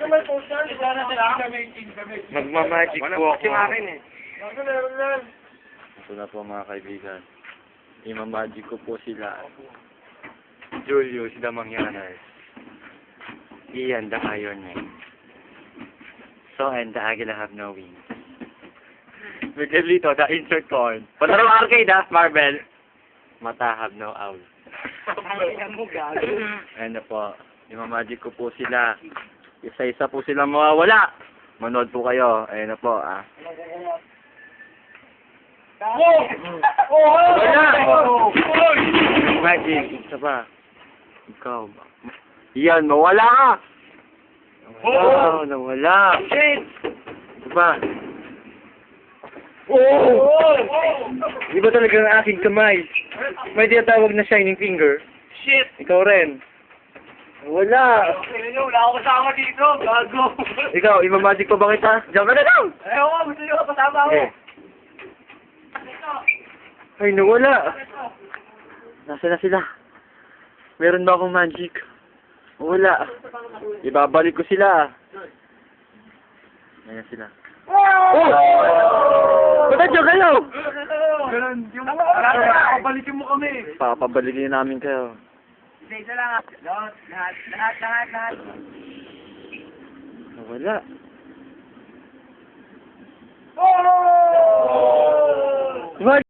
may poster. Magmamagic po ako. Yung akin eh. Ako meron yan. Ito na po mga kaibigan. Imamagic ko po sila. Julius the Mangyanas. Ian the Iron Man. So and the Agila have no wings. Miguelito the insert coin. Palaro arcade ha, Marvel. Mata have no owl. Ayan mo, gago. Ayan na po. Imamagic ko po sila. Isa-isa po sila mawawala. Manood po kayo. Ayan na po ah. Wala! Magic. Isa pa. Ikaw ba? Yan, mawala ka! Wow, nawala. Shit! Isa pa. Di ba talaga ang aking kamay? May tinatawag na shining finger. Shit! Ikaw rin. Wala. Wala ako kasama dito, gago. Ikaw, imamagic pa ba kita? Diyan ka na lang! Ayaw ko, gusto nyo kasama ako. Okay. Ay, nawala. Nasaan na sila? Meron ba akong magic? Wala. Ibabalik ko sila. Ayan sila. Oh! Ba't nandiyan kayo? Ganun, yung papabalikin mo kami. Papabalikin namin kayo. Isa lang. Lahat. Wala. Oh! What?